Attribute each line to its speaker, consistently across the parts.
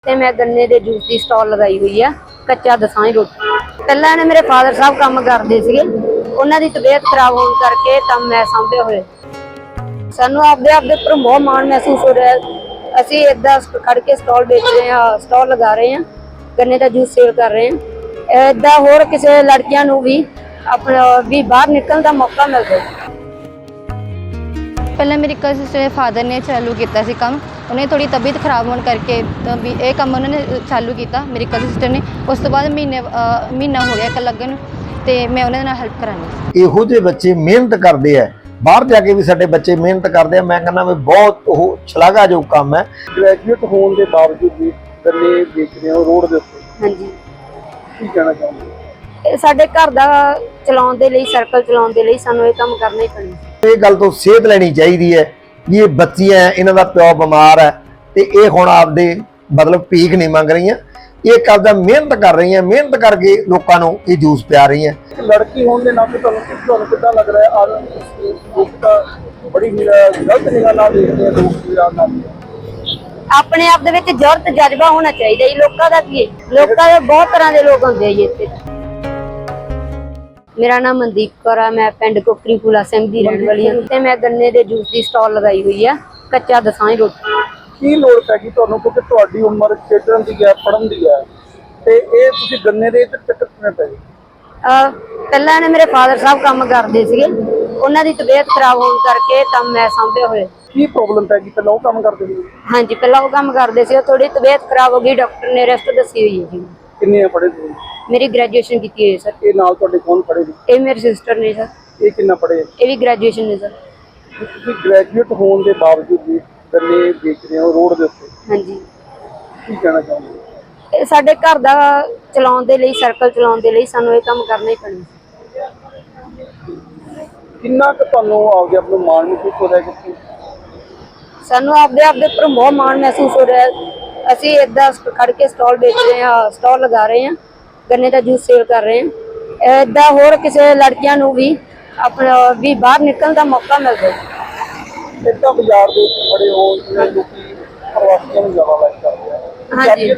Speaker 1: ਤੇ ਮੈਂ ਗੰਨੇ ਦੇ ਜੂਸ ਦੀ ਸਟਾਲ ਲਗਾਈ ਹੋਈ ਆ ਕੱਚਾ ਦਸਾਂਈ ਰੋਟੀ। ਪਹਿਲਾਂ ਨੇ ਮੇਰੇ ਫਾਦਰ ਸਾਹਿਬ ਕੰਮ ਕਰਦੇ ਸੀਗੇ, ਉਹਨਾਂ ਦੀ ਤਬੀਅਤ ਖਰਾਬ ਹੋਣ ਕਰਕੇ ਤਾਂ ਮੈਂ ਸਾਂਭੇ ਹੋਏ। ਸਾਨੂੰ ਆਪਦੇ ਉੱਪਰ ਬਹੁਤ ਮਾਣ ਮਹਿਸੂਸ ਹੋ ਰਿਹਾ। ਅਸੀਂ ਏਦਾਂ ਖੜ ਕੇ ਸਟਾਲ ਵੇਚ ਰਹੇ ਹਾਂ, ਸਟਾਲ ਲਗਾ ਰਹੇ ਹਾਂ, ਗੰਨੇ ਦਾ ਜੂਸ ਸੇਲ ਕਰ ਰਹੇ ਹਾਂ। ਏਦਾਂ ਹੋਰ ਕਿਸੇ ਲੜਕੀਆਂ ਨੂੰ ਵੀ ਆਪਣਾ ਵੀ ਬਾਹਰ ਨਿਕਲਣ ਦਾ ਮੌਕਾ ਮਿਲ ਰਿਹਾ।
Speaker 2: ਪਹਿਲਾਂ ਮੇਰੀ ਕਜ਼ਨ ਫਾਦਰ ਨੇ ਚਾਲੂ ਕੀਤਾ ਸੀ ਕੰਮ, ਉਹਨੇ ਥੋੜੀ ਤਬੀਅਤ ਖਰਾਬ ਹੋਣ ਕਰਕੇ ਤਾਂ ਵੀ ਇਹ ਕੰਮ ਉਹਨਾਂ ਨੇ ਚਾਲੂ ਕੀਤਾ ਮੇਰੀ ਕਜ਼ਨ ਸਿਸਟਰ ਨੇ। ਉਸ ਤੋਂ ਬਾਅਦ ਮਹੀਨਾ ਹੋ ਗਿਆ ਇੱਕ ਲੱਗਣ ਨੂੰ, ਤੇ ਮੈਂ ਉਹਨਾਂ ਨਾਲ ਹੈਲਪ ਕਰਾਂਗੀ।
Speaker 3: ਇਹੋ ਜਿਹੇ ਬੱਚੇ ਮਿਹਨਤ ਕਰਦੇ ਆ, ਬਾਹਰ ਜਾ ਕੇ ਵੀ ਸਾਡੇ ਬੱਚੇ ਮਿਹਨਤ ਕਰਦੇ ਆ। ਮੈਂ ਕਹਿੰਦਾ ਵੀ ਬਹੁਤ ਉਹ ਸ਼ਲਾਘਾਯੋਗ ਕੰਮ ਹੈ।
Speaker 4: ਗ੍ਰੈਜੂਏਟ ਹੋਣ ਦੇ ਬਾਵਜੂਦ ਵੀ ਗੰਨੇ ਵੇਚ ਰਹੇ ਹੋ ਰੋਡ ਦੇ ਉੱਤੇ,
Speaker 1: ਹਾਂਜੀ,
Speaker 4: ਕੀ ਕਹਿਣਾ ਚਾਹੁੰਦੇ?
Speaker 1: ਇਹ ਸਾਡੇ ਘਰ ਦਾ ਚਲਾਉਣ ਦੇ ਲਈ, ਸਰਕਲ ਚਲਾਉਣ ਦੇ ਲਈ ਸਾਨੂੰ ਇਹ ਕੰਮ ਕਰਨਾ ਹੀ ਪੈਣਾ।
Speaker 3: ਇਹ ਗੱਲ ਤੋਂ ਸੇਧ ਲੈਣੀ ਚਾਹੀਦੀ ਹੈ ਵੀ ਇਹ ਬੱਚੀਆਂ, ਇਹਨਾਂ ਦਾ ਪਿਓ ਬਿਮਾਰ ਹੈ ਤੇ ਇਹ ਹੁਣ ਆਪਦੇ ਮਤਲਬ ਭੀਖ ਨਹੀਂ ਮੰਗ ਰਹੀਆਂ, ਇਹ ਕਰਦਾ ਮਿਹਨਤ ਕਰ ਰਹੀਆਂ, ਮਿਹਨਤ ਕਰਕੇ ਲੋਕਾਂ ਨੂੰ ਇਹ ਜੂਸ ਪਿਆ ਰਹੀਆਂ।
Speaker 4: ਇੱਕ ਲੜਕੀ ਹੋਣ ਦੇ ਨਾਤੇ ਤੁਹਾਨੂੰ ਕਿੱਦਾਂ ਲੱਗ ਰਿਹਾ ਹੈ? ਲੋਕ ਤਾਂ ਬੜੀ ਗਲਤ ਨਿਗਾਹ ਨਾਲ ਦੇਖਦੇ ਆ ਲੋਕ ਨਾਲ।
Speaker 1: ਆਪਣੇ ਆਪ ਦੇ ਵਿੱਚ ਜ਼ਰੂਰਤ ਜਜ਼ਬਾ ਹੋਣਾ ਚਾਹੀਦਾ ਜੀ। ਲੋਕਾਂ ਦਾ ਕੀ ਹੈ, ਲੋਕਾਂ ਦੇ ਬਹੁਤ ਤਰ੍ਹਾਂ ਦੇ ਲੋਕ ਹੁੰਦੇ ਆ ਜੀ ਇੱਥੇ। ਮੇਰਾ ਨਾਮ ਮਨਦੀਪ ਕੌਰ ਆ, ਮੈਂ ਪਿੰਡ ਕੋਕਰੀ ਫੂਲਾ ਸਿੰਘ ਦੀ ਰਹਿਣ ਵਾਲੀ ਹਾਂ ਤੇ ਮੈਂ ਗੰਨੇ ਦੇ ਜੂਸ ਦੀ ਸਟਾਲ ਲਗਾਈ ਹੋਈ ਆ ਕੱਚਾ ਦਸਾਂਈ ਰੋਟੀ।
Speaker 4: ਕੀ ਲੋੜ ਪੈ ਗਈ ਤੁਹਾਨੂੰ, ਕਿਉਂਕਿ ਤੁਹਾਡੀ ਉਮਰ ਖੇਡਣ ਦੀ ਹੈ, ਪੜ੍ਹਨ ਦੀ ਹੈ, ਤੇ ਇਹ ਤੁਸੀਂ ਗੰਨੇ ਦੇ ਚੱਕਰ ਕਿਵੇਂ ਪੈ ਗਏ?
Speaker 1: ਪਹਿਲਾਂ ਨੇ ਮੇਰੇ ਫਾਦਰ ਸਾਹਿਬ ਕੰਮ ਕਰਦੇ ਸੀਗੇ, ਉਹਨਾਂ ਦੀ ਤਬੀਅਤ ਖਰਾਬ ਹੋਣ ਕਰਕੇ ਤਾਂ ਮੈਂ ਸਾਂਭੇ ਹੋਏ।
Speaker 4: ਕੀ ਪ੍ਰੋਬਲਮ ਪੈ ਗਈ? ਪਹਿਲਾਂ ਉਹ ਕੰਮ ਕਰਦੇ ਸੀ?
Speaker 1: ਹਾਂਜੀ, ਪਹਿਲਾਂ ਉਹ ਕੰਮ ਕਰਦੇ ਸੀ, ਥੋੜੀ ਤਬੀਅਤ ਖਰਾਬ ਹੋ ਗਈ, ਡਾਕਟਰ ਨੇ ਰੈਸਟ ਦੱਸੀ ਹੋਈ ਹੈ ਜੀ।
Speaker 4: ਕਿੰਨੇ ਪੜ੍ਹੇ ਸੀ?
Speaker 1: ਮੇਰੀ ਗ੍ਰੈਜੂਏਸ਼ਨ ਕੀਤੀ ਹੋਈ ਹੈ ਸਰ।
Speaker 4: ਇਹ ਨਾਲ ਤੁਹਾਡੇ ਕੌਣ ਪੜ੍ਹੇ ਨੇ?
Speaker 1: ਇਹ ਮੇਰੀ ਸਿਸਟਰ ਨੇ ਸਰ।
Speaker 4: ਇਹ ਕਿੰਨਾ ਪੜ੍ਹੇ?
Speaker 1: ਇਹ ਵੀ ਗ੍ਰੈਜੂਏਸ਼ਨ ਨੇ ਸਰ।
Speaker 4: ਤੁਸੀਂ ਗ੍ਰੈਜੂਏਟ ਹੋਣ ਦੇ ਬਾਵਜੂਦ ਵੀ ਗੰਨੇ ਵੇਚ ਰਹੇ ਹੋ ਰੋਡ ਦੇ ਉੱਤੇ,
Speaker 1: ਹਾਂਜੀ,
Speaker 4: ਕੀ ਕਹਿਣਾ ਚਾਹੁੰਦੇ?
Speaker 1: ਇਹ ਸਾਡੇ ਘਰ ਦਾ ਚਲਾਉਣ ਦੇ ਲਈ, ਸਰਕਲ ਚਲਾਉਣ ਦੇ ਲਈ ਸਾਨੂੰ ਇਹ ਕੰਮ ਕਰਨਾ ਹੀ ਪੈਣਾ।
Speaker 4: ਕਿੰਨਾ ਕੁ ਤੁਹਾਨੂੰ ਆਪਦੇ ਆਪ ਨੂੰ ਮਾਣ ਮਹਿਸੂਸ ਹੋ ਰਿਹਾ ਕਿ
Speaker 1: ਸਾਨੂੰ ਆਪਦੇ ਉੱਪਰ ਬਹੁਤ ਮਾਣ ਮਹਿਸੂਸ ਹੋ ਰਿਹਾ। ਅਸੀਂ ਏਦਾਂ ਖੜ ਕੇ ਸਟਾਲ ਵੇਚ ਰਹੇ ਹਾਂ, ਸਟਾਲ ਲਗਾ ਰਹੇ ਹਾਂ, ਗੰਨੇ ਦਾ ਜੂਸ ਸੇਲ ਕਰ ਰਹੇ ਹਾਂ। ਏਦਾਂ ਹੋਰ ਕਿਸੇ ਲੜਕੀਆਂ ਨੂੰ ਵੀ ਆਪਣਾ ਵੀ ਬਾਹਰ ਨਿਕਲਣ ਦਾ ਮੌਕਾ ਮਿਲ ਰਿਹਾ।
Speaker 4: ਇੱਦਾਂ ਬਾਜ਼ਾਰ ਦੇ ਵਿੱਚ ਖੜੇ ਹੋ ਜਿਵੇਂ ਲੋਕੀ ਪ੍ਰਵਾਸੀਆਂ ਨੂੰ ਜ਼ਿਆਦਾ ਲਾਈਕ ਕਰਦੇ ਆ?
Speaker 1: ਹਾਂਜੀ,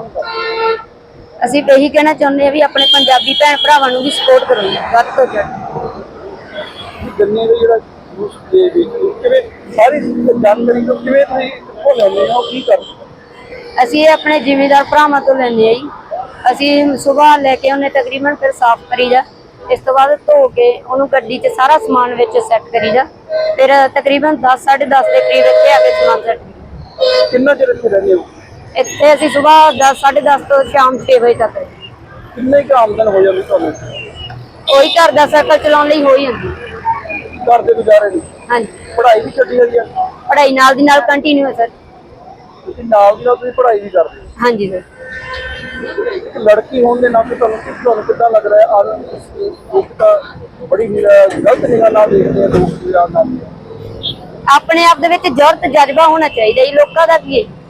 Speaker 1: ਅਸੀਂ ਇਹੀ ਕਹਿਣਾ ਚਾਹੁੰਦੇ ਹਾਂ ਵੀ ਆਪਣੇ ਪੰਜਾਬੀ ਭੈਣ ਭਰਾਵਾਂ ਨੂੰ ਵੀ ਸਪੋਰਟ ਕਰੋ ਜੀ, ਵੱਧ ਤੋਂ ਵੱਧ।
Speaker 4: ਗੰਨੇ ਦਾ ਜਿਹੜਾ ਜੂਸ ਦੇ ਵਿੱਚ ਕਿਵੇਂ ਸਾਰੀ ਜਾਣਕਾਰੀ ਤੋਂ ਕਿਵੇਂ ਤੁਸੀਂ ਕਿੱਥੋਂ ਲੈਂਦੇ ਹੋ, ਕੀ ਕਰਦੇ?
Speaker 1: ਅਸੀਂ ਇਹ ਆਪਣੇ ਜ਼ਿਮੀਂਦਾਰ ਭਰਾਵਾਂ ਤੋਂ ਲੈਂਦੇ ਆ ਜੀ। ਅਸੀਂ ਸਵੇਰ ਲੈ ਕੇ ਉਹਨੇ ਤਕਰੀਬਨ ਫਿਰ ਸਾਫ਼ ਕਰੀਦਾ, ਇਸ ਤੋਂ ਬਾਅਦ ਧੋ ਕੇ ਉਹਨੂੰ ਗੱਡੀ 'ਚ ਸਾਰਾ ਸਮਾਨ ਵਿੱਚ ਸੈੱਟ ਕਰੀਦਾ, ਫਿਰ ਤਕਰੀਬਨ 10 10:30 ਦੇ ਕਰੀਬ ਇੱਥੇ ਆ ਕੇ ਸਮਾਨ ਸੈੱਟ ਕਰੀਦਾ।
Speaker 4: ਕਿੰਨਾ ਚਿਰ ਇੱਥੇ ਰਹਿੰਦੇ ਹੋ?
Speaker 1: ਇੱਥੇ ਅਸੀਂ ਸਵੇਰ 10 10:30 ਤੋਂ ਸ਼ਾਮ 6 ਵਜੇ ਤੱਕ।
Speaker 4: ਕਿੰਨੇ ਕੁ ਆਮਦਨ ਹੋ ਜਾਂਦੀ ਤੁਹਾਨੂੰ?
Speaker 1: ਉਹੀ ਘਰ ਦਾ ਸਰਕਲ ਚਲਾਉਣ ਲਈ ਹੋ ਹੀ ਜਾਂਦੀ।
Speaker 4: ਘਰ ਦੇ ਗੁਜ਼ਾਰੇ ਲਈ?
Speaker 1: ਹਾਂਜੀ,
Speaker 4: ਪੜ੍ਹਾਈ ਵੀ ਛੱਡੀ ਹੋਈ ਆ?
Speaker 1: ਪੜ੍ਹਾਈ ਨਾਲ ਦੀ ਨਾਲ ਕੰਟੀਨਿਊ ਹੈ ਸਰ।
Speaker 4: ਤੁਸੀਂ ਨਾਲ ਦੀ ਨਾਲ ਤੁਸੀਂ ਪੜ੍ਹਾਈ ਵੀ ਕਰਦੇ ਹੋ?
Speaker 1: ਹਾਂਜੀ ਸਰ।
Speaker 4: ਇੱਕ ਲੜਕੀ ਹੋਣ ਦੇ ਨਾਤੇ ਤੁਹਾਨੂੰ ਕਿੱਦਾਂ ਲੱਗ ਰਿਹਾ ਹੈ? ਲੋਕ ਤਾਂ ਬੜੀ ਗਲਤ ਨਿਗਾਹ ਨਾਲ ਦੇਖਦੇ ਆ ਲੋਕ ਨਾਲ।
Speaker 1: ਆਪਣੇ ਆਪ ਦੇ ਵਿੱਚ ਜ਼ਰੂਰਤ ਜਜ਼ਬਾ ਹੋਣਾ ਚਾਹੀਦਾ ਜੀ। ਲੋਕਾਂ ਦਾ ਕੀ ਹੈ,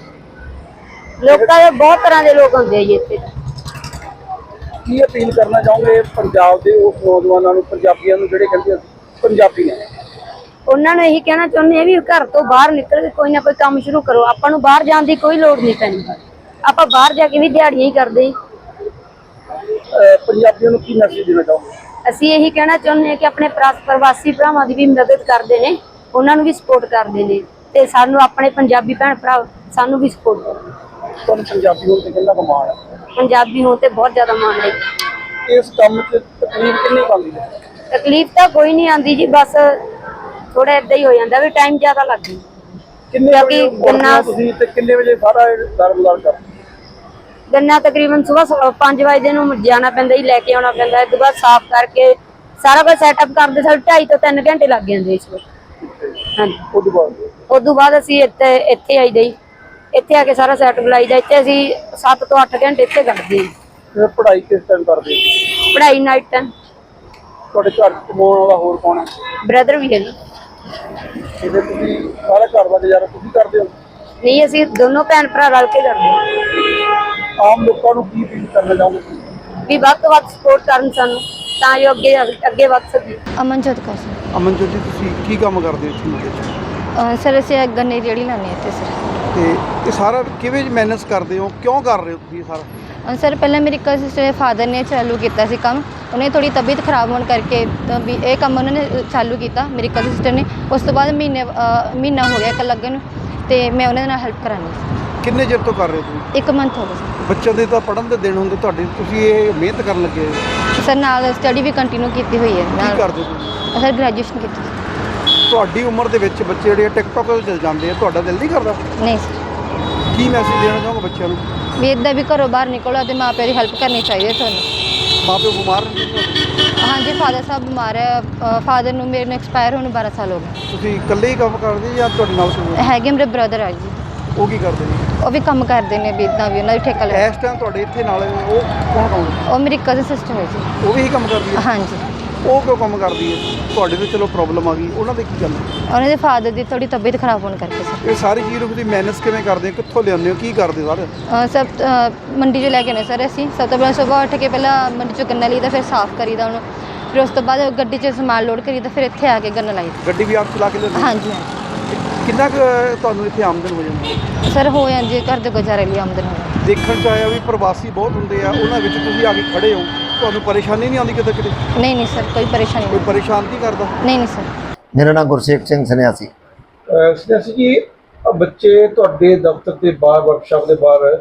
Speaker 1: ਲੋਕਾਂ ਦੇ ਬਹੁਤ ਤਰ੍ਹਾਂ ਦੇ ਲੋਕ ਹੁੰਦੇ ਆ ਜੀ ਇੱਥੇ।
Speaker 4: ਕੀ ਅਪੀਲ ਕਰਨਾ ਚਾਹੋਗੇ ਪੰਜਾਬ ਦੇ ਉਸ ਨੌਜਵਾਨਾਂ ਨੂੰ, ਪੰਜਾਬੀਆਂ ਨੂੰ ਜਿਹੜੇ ਕਹਿੰਦੇ ਅਸੀਂ ਪੰਜਾਬੀ ਨੇ?
Speaker 1: ਉਹਨਾਂ ਨੂੰ ਇਹੀ ਕਹਿਣਾ ਚਾਹੁੰਦੇ ਆ ਵੀ ਘਰ ਤੋਂ ਬਾਹਰ ਨਿਕਲ ਕੇ ਕੋਈ ਨਾ ਕੋਈ ਕੰਮ ਸ਼ੁਰੂ ਕਰੋ। ਆਪਾਂ ਨੂੰ ਬਾਹਰ ਜਾਣ ਦੀ ਕੋਈ ਲੋੜ ਨਹੀਂ ਪੈਣੀ, ਆਪਾਂ ਬਾਹਰ ਜਾ ਕੇ ਵੀ ਦਿਹਾੜੀਆਂ ਹੀ ਕਰਦੇ।
Speaker 4: ਪੰਜਾਬੀਆਂ ਨੂੰ ਕੀ ਮੈਸੇਜ ਦੇਣਾ ਚਾਹੋਗੇ?
Speaker 1: ਅਸੀਂ ਇਹੀ ਕਹਿਣਾ ਚਾਹੁੰਦੇ ਹਾਂ ਕਿ ਆਪਣੇ ਪ੍ਰਵਾਸੀ ਭਰਾਵਾਂ ਦੀ ਵੀ ਮਦਦ ਕਰਦੇ ਨੇ, ਉਹਨਾਂ ਨੂੰ ਵੀ ਸਪੋਰਟ ਕਰਦੇ ਨੇ, ਤੇ ਸਾਨੂੰ ਆਪਣੇ ਪੰਜਾਬੀ ਭੈਣ ਭਰਾ ਸਾਨੂੰ ਵੀ ਸਪੋਰਟ ਕਰਦੇ।
Speaker 4: ਤੁਹਾਨੂੰ ਪੰਜਾਬੀ ਹੋਣ ਤੇ ਕਿੰਨਾ ਕੁ ਮਾਣ ਹੈ?
Speaker 1: ਪੰਜਾਬੀ ਹੋਣ ਤੇ ਬਹੁਤ ਜ਼ਿਆਦਾ ਮਾਣ ਹੈ।
Speaker 4: ਇਸ ਕੰਮ 'ਚ ਤਕਲੀਫ ਕਿੰਨੀ ਕੁ ਆਉਂਦੀ ਹੈ?
Speaker 1: ਤਕਲੀਫ ਤਾਂ ਕੋਈ ਨਹੀਂ ਆਉਂਦੀ ਜੀ, ਬਸ ਥੋੜਾ ਏਦਾਂ ਹੀ ਹੋ ਜਾਂਦਾ ਵੀ ਟਾਈਮ ਜ਼ਿਆਦਾ ਲੱਗ ਜਾਂਦਾ।
Speaker 4: ਕਿੰਨੇ ਵਜੇ ਉੱਠਦੇ ਤੁਸੀਂ ਤੇ ਕਿੰਨੇ ਵਜੇ ਸਾਰਾ ਦਾਰਮਦਾਰ ਕਰਦੇ?
Speaker 1: ਗੰਨਾ ਤਕਰੀਬਨ ਸਵੇਰ 5 ਵਜੇ ਨੂੰ ਜਾਣਾ ਪੈਂਦਾ ਜੀ, ਲੈ ਕੇ ਆਉਣਾ ਪੈਂਦਾ। ਇਸ ਤੋਂ ਬਾਅਦ ਸਾਫ਼ ਕਰਕੇ ਸਾਰਾ ਕੁਝ ਸੈਟਅਪ ਕਰਦੇ ਸਾਡੇ 2.5 ਤੋਂ 3 ਘੰਟੇ ਲੱਗ ਜਾਂਦੇ ਇਸ ਵੇਲੇ। ਹਾਂਜੀ, ਉਸ ਤੋਂ ਬਾਅਦ ਅਸੀਂ ਇੱਥੇ ਆਈਦਾ ਜੀ। ਇੱਥੇ ਆ ਕੇ ਸਾਰਾ ਸੈਟਅਪ ਲਾਈਦਾ। ਇੱਥੇ ਅਸੀਂ 7 ਤੋਂ 8 ਘੰਟੇ ਇੱਥੇ ਕੱਢਦੇ ਹਾਂ।
Speaker 4: ਪੜ੍ਹਾਈ ਕਿਸ ਟਾਈਮ ਕਰਦੇ?
Speaker 1: ਪੜ੍ਹਾਈ ਨਾਈਟ ਟਾਈਮ।
Speaker 4: ਤੁਹਾਡੇ ਘਰ ਕਮਾਉਣ ਵਾਲਾ ਹੋਰ ਕੌਣ ਹੈ?
Speaker 1: ਬ੍ਰਦਰ ਵੀ ਹੈ ਜੀ।
Speaker 4: ਇਹਦੇ ਤੁਸੀਂ ਸਾਰਾ ਘਰ ਦਾ ਗੁਜ਼ਾਰਾ ਤੁਸੀਂ ਕਰਦੇ ਹੋ?
Speaker 1: ਨਹੀਂ, ਅਸੀਂ ਦੋਨੋਂ ਭੈਣ ਭਰਾ ਰਲ ਕੇ ਕਰਦੇ ਹਾਂ।
Speaker 4: ਆਮ ਲੋਕਾਂ ਨੂੰ ਕੀ ਅਪੀਲ ਕਰਨਾ ਚਾਹੋਗੇ
Speaker 1: ਵੀ ਵੱਧ ਤੋਂ ਵੱਧ ਸਪੋਰਟ ਕਰਨ ਸਾਨੂੰ, ਤਾਂ ਜੋ ਅੱਗੇ ਵੱਧ ਸਕੀਏ।
Speaker 2: ਅਮਨਜੋਤ ਕੌਰ।
Speaker 4: ਅਮਨਜੋਤ ਜੀ, ਤੁਸੀਂ ਕੀ ਕੰਮ ਕਰਦੇ ਹੋ ਇੱਥੇ?
Speaker 2: ਸਰ ਅਸੀਂ ਗੰਨੇ ਦੀ ਰੇਹੜੀ ਲਾਉਂਦੇ ਹਾਂ ਇੱਥੇ ਸਰ।
Speaker 4: ਤੇ ਇਹ ਸਾਰਾ ਕਿਵੇਂ ਮੈਨੇਜ ਕਰਦੇ ਹੋ, ਕਿਉਂ ਕਰ ਰਹੇ ਹੋ ਤੁਸੀਂ ਇਹ ਸਾਰਾ?
Speaker 2: ਸਰ ਪਹਿਲਾਂ ਮੇਰੀ ਕਜ਼ਨ ਦੇ ਫਾਦਰ ਨੇ ਚਾਲੂ ਕੀਤਾ ਸੀ ਕੰਮ, ਉਹਨੇ ਥੋੜੀ ਤਬੀਅਤ ਖਰਾਬ ਹੋਣ ਕਰਕੇ ਤਾਂ ਵੀ ਇਹ ਕੰਮ ਉਹਨਾਂ ਨੇ ਚਾਲੂ ਕੀਤਾ ਮੇਰੀ ਕਜ਼ਨ ਸਿਸਟਰ ਨੇ। ਉਸ ਤੋਂ ਬਾਅਦ ਮਹੀਨਾ ਹੋ ਗਿਆ ਇੱਕ ਲੱਗਣ ਨੂੰ, ਤੇ ਮੈਂ ਉਹਨਾਂ ਦੇ ਨਾਲ ਹੈਲਪ ਕਰਾਂਗੀ ਸੀ।
Speaker 4: ਕਿੰਨੇ ਚਿਰ ਤੋਂ ਕਰ ਰਹੇ ਹੋ ਤੁਸੀਂ?
Speaker 2: 1 ਮੰਥ ਹੋ ਗਿਆ ਸਰ।
Speaker 4: ਬੱਚਿਆਂ ਦੇ ਤਾਂ ਪੜ੍ਹਨ ਦੇ ਦਿਨ ਹੁੰਦੇ ਤੁਹਾਡੇ, ਤੁਸੀਂ ਇਹ ਮਿਹਨਤ ਕਰਨ ਲੱਗੇ ਹੋ।
Speaker 2: ਸਰ ਨਾਲ ਸਟੱਡੀ ਵੀ ਕੰਟੀਨਿਊ ਕੀਤੀ ਹੋਈ ਹੈ
Speaker 4: ਕੀ
Speaker 2: ਨਾਲ।
Speaker 4: ਕਰਦੇ ਹੋ ਤੁਸੀਂ?
Speaker 2: ਸਰ ਗ੍ਰੈਜੂਏਸ਼ਨ ਕੀਤੀ ਸੀ।
Speaker 4: ਤੁਹਾਡੀ ਉਮਰ ਦੇ ਵਿੱਚ ਬੱਚੇ ਜਿਹੜੇ ਟਿਕਟੌਕ 'ਤੇ ਚਲ ਜਾਂਦੇ ਆ, ਤੁਹਾਡਾ ਦਿਲ ਨਹੀਂ ਕਰਦਾ?
Speaker 2: ਨਹੀਂ ਸਰ,
Speaker 4: ਕੀ ਮੈਸੇਜ ਦੇਣਾ ਚਾਹੋਗੇ ਬੱਚਿਆਂ ਨੂੰ?
Speaker 2: ਵੀ ਇੱਦਾਂ ਵੀ ਘਰੋਂ ਬਾਹਰ ਨਿਕਲੋ ਅਤੇ ਮਾਂ ਪਿਓ ਦੀ ਹੈਲਪ ਕਰਨੀ ਚਾਹੀਦੀ ਹੈ ਤੁਹਾਨੂੰ।
Speaker 4: ਮਾਂ ਪਿਓ ਬਿਮਾਰ ਨੇ ਤੁਹਾਡੇ?
Speaker 2: ਹਾਂਜੀ ਫਾਦਰ ਸਾਹਿਬ ਬਿਮਾਰ ਹੈ, ਫਾਦਰ ਨੂੰ ਮੇਰੇ ਨੂੰ ਐਕਸਪਾਇਰ ਹੋਣ ਨੂੰ 12 ਸਾਲ ਹੋ ਗਏ।
Speaker 4: ਤੁਸੀਂ ਇਕੱਲੇ ਹੀ ਕੰਮ ਕਰਦੇ ਜਾਂ ਤੁਹਾਡੇ ਨਾਲ ਕੋਈ?
Speaker 2: ਹੈਗੇ ਮੇਰੇ ਬ੍ਰਦਰ ਆ ਜੀ,
Speaker 4: ਉਹ ਕੀ ਕਰਦੇ ਨੇ?
Speaker 2: ਉਹ ਵੀ ਕੰਮ ਕਰਦੇ ਨੇ ਵੀ ਇੱਦਾਂ ਵੀ ਉਹਨਾਂ ਦੀ ਠੇਕਾ ਲਿਆ।
Speaker 4: ਇਸ ਟਾਈਮ ਤੁਹਾਡੇ ਇੱਥੇ ਨਾਲ ਉਹ ਕੌਣ ਕੌਣ?
Speaker 2: ਉਹ ਮੇਰੀ ਕਜ਼ਨ ਸਿਸਟਰ ਹੈ ਜੀ।
Speaker 4: ਉਹ ਵੀ ਇਹੀ ਕੰਮ ਕਰਦੀ ਹੈ?
Speaker 2: ਹਾਂਜੀ,
Speaker 4: ਉਹ ਕਿਉਂ ਕੰਮ ਕਰਦੀ ਹੈ? ਤੁਹਾਡੇ ਤੇ ਚਲੋ ਪ੍ਰੋਬਲਮ ਆ ਗਈ, ਉਹਨਾਂ ਦੇ ਕੀ ਗੱਲ ਹੈ?
Speaker 2: ਉਹਨਾਂ ਦੇ ਫਾਦਰ ਦੀ ਥੋੜੀ ਤਬੀਅਤ ਖਰਾਬ ਹੋਣ ਕਰਕੇ ਸਰ।
Speaker 4: ਇਹ ਸਾਰੀ ਚੀਜ਼ ਨੂੰ ਤੁਸੀਂ ਮੈਨੇਜ ਕਿਵੇਂ ਕਰਦੇ ਹੋ, ਕਿੱਥੋਂ ਲਿਆਉਂਦੇ ਹੋ, ਕੀ ਕਰਦੇ ਹੋ ਸਾਰੇ?
Speaker 2: ਸਭ ਮੰਡੀ 'ਚੋਂ ਲੈ ਕੇ ਆਉਂਦੇ ਸਰ ਅਸੀਂ। ਸਭ ਤੋਂ ਪਹਿਲਾਂ ਸੁਬਾਹ ਉੱਠ ਕੇ ਪਹਿਲਾਂ ਮੰਡੀ 'ਚੋਂ ਗੰਨਾ ਲਈਦਾ, ਫਿਰ ਸਾਫ਼ ਕਰੀਦਾ ਉਹਨੂੰ, ਫਿਰ ਉਸ ਤੋਂ ਬਾਅਦ ਗੱਡੀ 'ਚ ਸਮਾਨ ਲੋਡ ਕਰੀਦਾ, ਫਿਰ ਇੱਥੇ ਆ ਕੇ ਗੰਨਾ ਲਾਈਦਾ।
Speaker 4: ਗੱਡੀ ਵੀ ਆਪ ਚਲਾ ਕੇ ਲਿਆਉਂਦੇ ਹੋ?
Speaker 2: ਹਾਂਜੀ ਹਾਂਜੀ
Speaker 4: ਕਿੰਨਾ ਕੁ ਤੁਹਾਨੂੰ ਇੱਥੇ ਆਮਦਨ ਹੋ ਜਾਂਦੀ ਹੈ?
Speaker 2: ਸਰ ਹੋ ਜਾਂਦੀ ਹੈ, ਘਰ ਦੇ ਗੁਜ਼ਾਰੇ ਲਈ ਆਮਦਨ ਹੋ ਜਾਂਦੀ।
Speaker 4: ਦੇਖਣ 'ਚ ਆਇਆ ਵੀ ਪ੍ਰਵਾਸੀ ਬਹੁਤ ਹੁੰਦੇ ਆ, ਉਹਨਾਂ ਵਿੱਚ ਤੁਸੀਂ ਆ ਕੇ ਖੜੇ ਹੋ, ਤੁਹਾਨੂੰ ਪਰੇਸ਼ਾਨੀ ਨਹੀਂ ਆਉਂਦੀ ਕਿਤੇ ਕਿਤੇ?
Speaker 2: ਨਹੀਂ ਨਹੀਂ ਸਰ, ਕੋਈ ਪਰੇਸ਼ਾਨੀ
Speaker 4: ਕੋਈ
Speaker 2: ਨਹੀਂ।
Speaker 4: ਪਰੇਸ਼ਾਨ ਨਹੀਂ ਕਰਦਾ?
Speaker 2: ਨਹੀਂ ਨਹੀਂ ਸਰ।
Speaker 3: ਮੇਰਾ ਨਾਮ ਗੁਰਸੇਵਕ ਸਿੰਘ ਸੰਨਿਆਸੀ।
Speaker 4: ਸੰਨਿਆਸੀ ਜੀ, ਬੱਚੇ ਤੁਹਾਡੇ ਦਫ਼ਤਰ ਦੇ ਬਾਹਰ, ਵਰਕਸ਼ਾਪ ਦੇ ਬਾਹਰ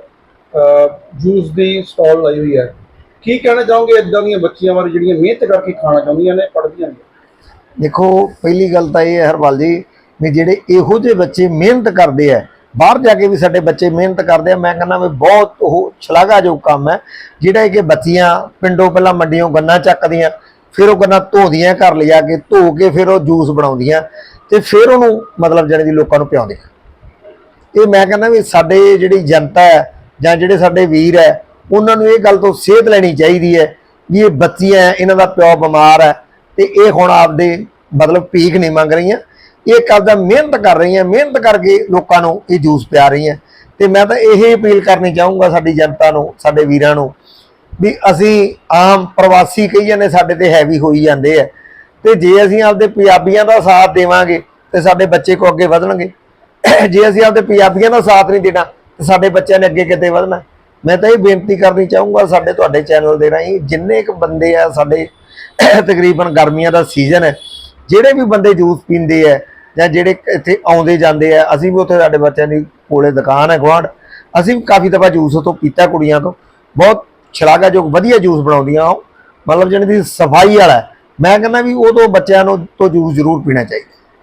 Speaker 4: ਜੂਸ ਦੀ ਸਟਾਲ ਲਾਈ ਹੋਈ ਹੈ, ਕੀ ਕਹਿਣਾ ਚਾਹੋਗੇ ਇਦਾਂ ਦੀਆਂ ਬੱਚੀਆਂ ਬਾਰੇ ਜਿਹੜੀਆਂ ਮਿਹਨਤ ਕਰਕੇ ਖਾਣਾ ਚਾਹੁੰਦੀਆਂ ਨੇ, ਪੜ੍ਹਦੀਆਂ ਨੇ?
Speaker 3: ਦੇਖੋ ਪਹਿਲੀ ਗੱਲ ਤਾਂ ਇਹ ਹੈ ਹਰਪਾਲ ਜੀ, ਵੀ ਜਿਹੜੇ ਇਹੋ ਜਿਹੇ ਬੱਚੇ ਮਿਹਨਤ ਕਰਦੇ ਆ, ਬਾਹਰ ਜਾ ਕੇ ਵੀ ਸਾਡੇ ਬੱਚੇ ਮਿਹਨਤ ਕਰਦੇ ਆ, ਮੈਂ ਕਹਿੰਦਾ ਵੀ ਬਹੁਤ ਉਹ ਸ਼ਲਾਘਾਯੋਗ ਕੰਮ ਹੈ। ਜਿਹੜਾ ਕਿ ਬੱਚੀਆਂ ਪਿੰਡੋਂ ਪਹਿਲਾਂ ਮੰਡੀਆਂ ਗੰਨਾ ਚੱਕਦੀਆਂ, ਫਿਰ ਉਹ ਗੰਨਾ ਧੋਦੀਆਂ, ਘਰ ਲਿਜਾ ਕੇ ਧੋ ਕੇ ਫਿਰ ਉਹ ਜੂਸ ਬਣਾਉਂਦੀਆਂ ਤੇ ਫਿਰ ਉਹਨੂੰ ਮਤਲਬ ਜਾਣੀ ਦੀ ਲੋਕਾਂ ਨੂੰ ਪਿਆਉਂਦੀਆਂ। ਇਹ ਮੈਂ ਕਹਿੰਦਾ ਵੀ ਸਾਡੇ ਜਿਹੜੀ ਜਨਤਾ ਹੈ ਜਾਂ ਜਿਹੜੇ ਸਾਡੇ ਵੀਰ ਹੈ, ਉਹਨਾਂ ਨੂੰ ਇਹ ਗੱਲ ਤੋਂ ਸੇਧ ਲੈਣੀ ਚਾਹੀਦੀ ਹੈ ਵੀ ਇਹ ਬੱਚੀਆਂ, ਇਹਨਾਂ ਦਾ ਪਿਓ ਬਿਮਾਰ ਹੈ ਤੇ ਇਹ ਹੁਣ ਆਪਦੇ ਮਤਲਬ ਭੀਖ ਨਹੀਂ ਮੰਗ ਰਹੀਆਂ, ਇਹ ਕਰਦਾ ਮਿਹਨਤ ਕਰ ਰਹੀਆਂ, ਮਿਹਨਤ ਕਰਕੇ ਲੋਕਾਂ ਨੂੰ ਇਹ ਜੂਸ ਪਿਆ ਰਹੀਆਂ। ਤੇ ਮੈਂ ਤਾਂ ਇਹ ਅਪੀਲ ਕਰਨੀ ਚਾਹੂੰਗਾ ਸਾਡੀ ਜਨਤਾ ਨੂੰ, ਸਾਡੇ ਵੀਰਾਂ ਨੂੰ, ਵੀ ਅਸੀਂ ਆਮ ਪ੍ਰਵਾਸੀ ਕਹੀ ਜਾਂਦੇ ਸਾਡੇ ਤੇ ਹੈਵੀ ਹੋਈ ਜਾਂਦੇ ਆ, ਤੇ ਜੇ ਅਸੀਂ ਆਪਦੇ ਪੰਜਾਬੀਆਂ ਦਾ ਸਾਥ ਦੇਵਾਂਗੇ ਤੇ ਸਾਡੇ ਬੱਚੇ ਕੋ ਅੱਗੇ ਵਧਣਗੇ। ਜੇ ਅਸੀਂ ਆਪਦੇ ਪੰਜਾਬੀਆਂ ਦਾ ਸਾਥ ਨਹੀਂ ਦੇਣਾ ਤੇ ਸਾਡੇ ਬੱਚਿਆਂ ਨੇ ਅੱਗੇ ਕਿਤੇ ਵਧਣਾ। ਮੈਂ ਤਾਂ ਇਹ ਬੇਨਤੀ ਕਰਨੀ ਚਾਹੂੰਗਾ ਸਾਡੇ ਤੁਹਾਡੇ ਚੈਨਲ ਦੇ ਰਾਹੀਂ, ਜਿੰਨੇ ਕੁ ਬੰਦੇ ਆ ਸਾਡੇ, ਤਕਰੀਬਨ ਗਰਮੀਆਂ ਦਾ ਸੀਜ਼ਨ ਹੈ, ਜਿਹੜੇ ਵੀ ਬੰਦੇ ਜੂਸ ਪੀਂਦੇ ਆ ਜਾਂ ਜਿਹੜੇ ਇੱਥੇ ਆਉਂਦੇ ਜਾਂਦੇ ਆ, ਅਸੀਂ ਵੀ ਉੱਥੇ ਸਾਡੇ ਬੱਚਿਆਂ ਦੀ ਕੋਲੇ ਦੁਕਾਨ ਹੈ ਗੁਆਂਢ, ਅਸੀਂ ਵੀ ਕਾਫੀ ਦਫਾ ਜੂਸ ਉੱਥੋਂ ਪੀਤਾ ਕੁੜੀਆਂ ਤੋਂ, ਬਹੁਤ ਸ਼ਲਾਘਾਯੋਗ ਵਧੀਆ ਜੂਸ ਬਣਾਉਂਦੀਆਂ ਉਹ, ਮਤਲਬ ਜਿਹਨਾਂ ਦੀ ਸਫਾਈ ਵਾਲਾ। ਮੈਂ ਕਹਿੰਦਾ ਵੀ ਉਹ ਤੋਂ ਬੱਚਿਆਂ ਨੂੰ ਤੋਂ ਜੂਸ ਜ਼ਰੂਰ ਪੀਣਾ ਚਾਹੀਦਾ।